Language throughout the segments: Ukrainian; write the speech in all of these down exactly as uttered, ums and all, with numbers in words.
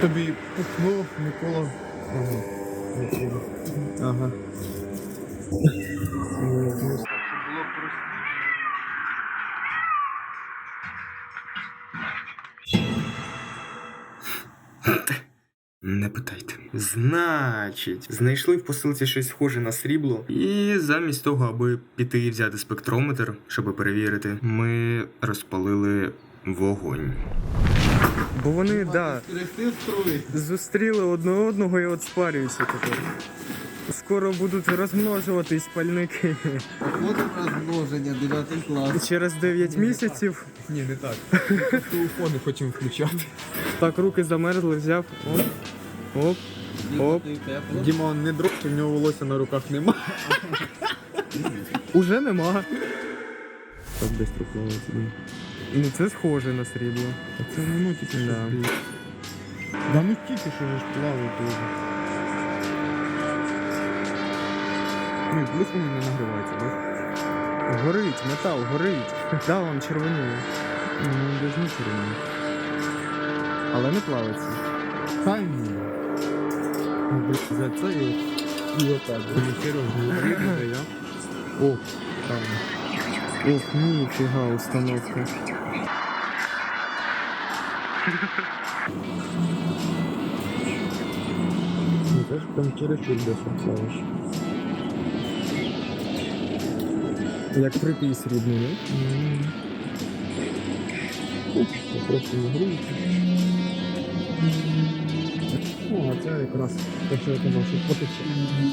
тобі пукнув, Микола. Ага. Микола. Ага. Не питайте. Значить, знайшли в посилці щось схоже на срібло, і замість того, аби піти і взяти спектрометр, щоб перевірити, ми розпалили вогонь. Бо вони, да, зустріли одне одного і от спарюються тепер. Скоро будуть розмножуватись пальники. От розмноження, дев'ятий клас. Через дев'ять місяців. Ні, не так. Телефони хочемо включати. Так, руки замерзли, взяв. Оп. Оп. Оп. Діма не дрочить, в нього волосся на руках нема. Уже нема. Так быстро плавається. Ну це схоже на срібло. Так це не ну тільки Да. Да ну тільки що ж плаває дуже. Ну, плюс вони не нагріваються, так? Горить, метал, горить. Да, вам червоніє. Ну, без нічого. Але не плавиться. Хай ні. За це і, і отак. Ну, серйозно, видно, я. О, правильно. Ох, ніфіга установка. Ну, це ж прям через чудо плаваєш. Як припій срібний, не? Це просто не гріється. О, а це якраз те, що я казав, що потече.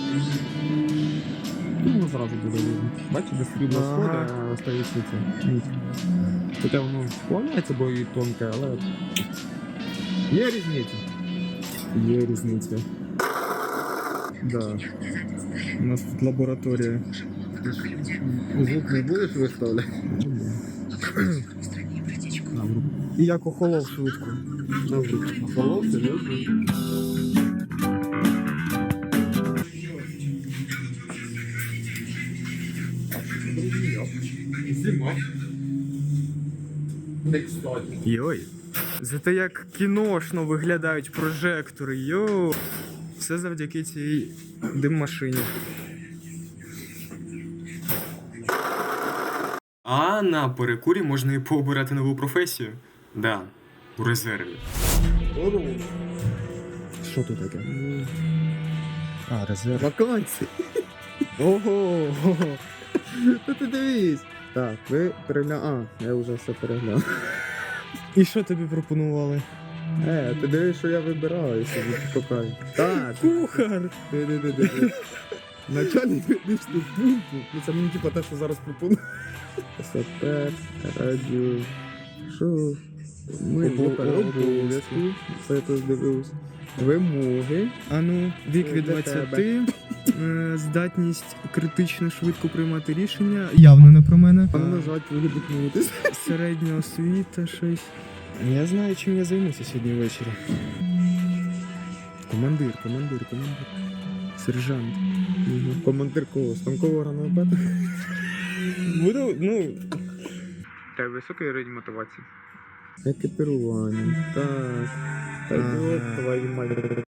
Ну, воно зразу буде видно. Бачите, де срібло Ага. сходить, а остається це. Ніч. Хоча воно склоняється, бо і тонке, але... Є різниця. Є різниця. Да. У нас тут лабораторія. Звук не будеш виставляти? І як охолов швидко. Холод, серйозно? Зима. Не кстати. Йой. Зате як кіношно виглядають прожектори, йо. Все завдяки цій дим-машині. А на перекурі можна і пообирати нову професію. Да, у резерві. Що тут таке? А, резерв. Вакансії. Ого! Та ти дивись. Так, ви переглянули. А, я вже все переглянув. І що тобі пропонували? Е, ти дивись, що я вибираю собі покаю. Так. Кухар! Диви-диви-диви. Начальник медичного пункту. Ну це мені типа те, що зараз пропоную. Сапер, радіо. Що? Ми обов'язки. Все я тут дивився. Вимоги. А ну, вік від Для двадцяти, е, здатність критично швидко приймати рішення. Явно не про мене. А нажать вилібутнутись. Середня освіта, щось. Я знаю, чим я займуся сьогодні ввечері. Командир, командир, командир. Сержант. Командир кого? Станкового гранатомета? Буду, ну... Та високий рівень мотивації. Екіпірування. Так. Та Ага. йо, твою мать.